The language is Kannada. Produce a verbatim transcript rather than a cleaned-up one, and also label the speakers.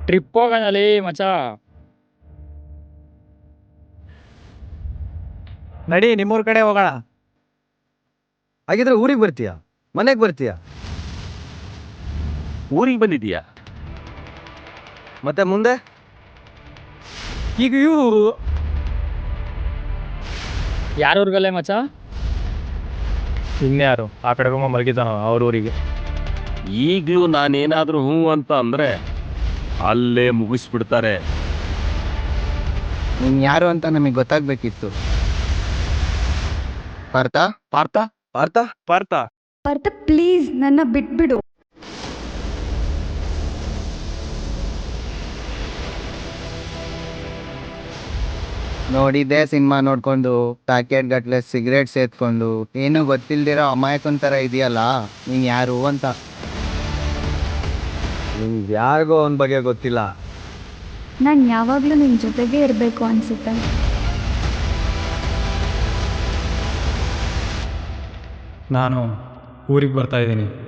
Speaker 1: ಟ್ರಿಪ್ ಹೋಗೋಣಲಿ ಮಚ.
Speaker 2: ನಡಿ ನಿಮ್ಮೂರ್ ಕಡೆ ಹೋಗೋಣ.
Speaker 3: ಹಾಗಿದ್ರೆ ಊರಿಗೆ ಬರ್ತೀಯಾ ಮನೆಗೆ ಬರ್ತೀಯಾ?
Speaker 4: ಊರಿಗೆ ಬಂದಿದೀಯಾ?
Speaker 3: ಮತ್ತೆ ಮುಂದೆ
Speaker 2: ಈಗ ಇವು
Speaker 1: ಯಾರೂರ್ಗಲ್ಲೇ ಮಚ?
Speaker 2: ಇನ್ಯಾರು ಆ ಕಡೆ ರೂಮ ಮಲಗಿದ್ದಾನೋ ಅವ್ರ ಊರಿಗೆ.
Speaker 4: ಈಗಲೂ ನಾನೇನಾದ್ರೂ ಹ್ಞೂ ಅಂತ ಅಂದ್ರೆ ಅಲ್ಲೇ ಮುಗಿಸ್ಬಿಡ್ತಾರೆ.
Speaker 5: ನೀನ್ ಯಾರು ಅಂತ ನಮಗೆ ಗೊತ್ತಾಗ್ಬೇಕಿತ್ತು. ಪಾರ್ಥ
Speaker 4: ಪಾರ್ಥ
Speaker 3: ಪಾರ್ಥ
Speaker 2: ಪಾರ್ಥ
Speaker 6: ಪಾರ್ಥ ಪ್ಲೀಸ್ ನನ್ನ ಬಿಟ್ಬಿಡು.
Speaker 5: ನೋಡಿದ್ದೆ ಸಿನಿಮಾ ನೋಡ್ಕೊಂಡು ಪ್ಯಾಕೆಟ್ ಗಟ್ಲೆ ಸಿಗರೇಟ್ ಸೇದ್ಕೊಂಡು ಏನು ಗೊತ್ತಿಲ್ದಿರೋ ಅಮಾಯಕನ್ ಥರ ಇದೆಯಲ್ಲ ನೀನ್ ಯಾರು ಅಂತ.
Speaker 3: ನಿಮ್ಗೆ ಯಾರಿಗೋ ಅವನ ಬಗ್ಗೆ ಗೊತ್ತಿಲ್ಲ.
Speaker 6: ನಾನು ಯಾವಾಗಲೂ ನಿನ್ನ ಜೊತೆಗೇ ಇರಬೇಕು ಅನಿಸುತ್ತೆ.
Speaker 2: ನಾನು ಊರಿಗೆ ಬರ್ತಾ ಇದ್ದೀನಿ.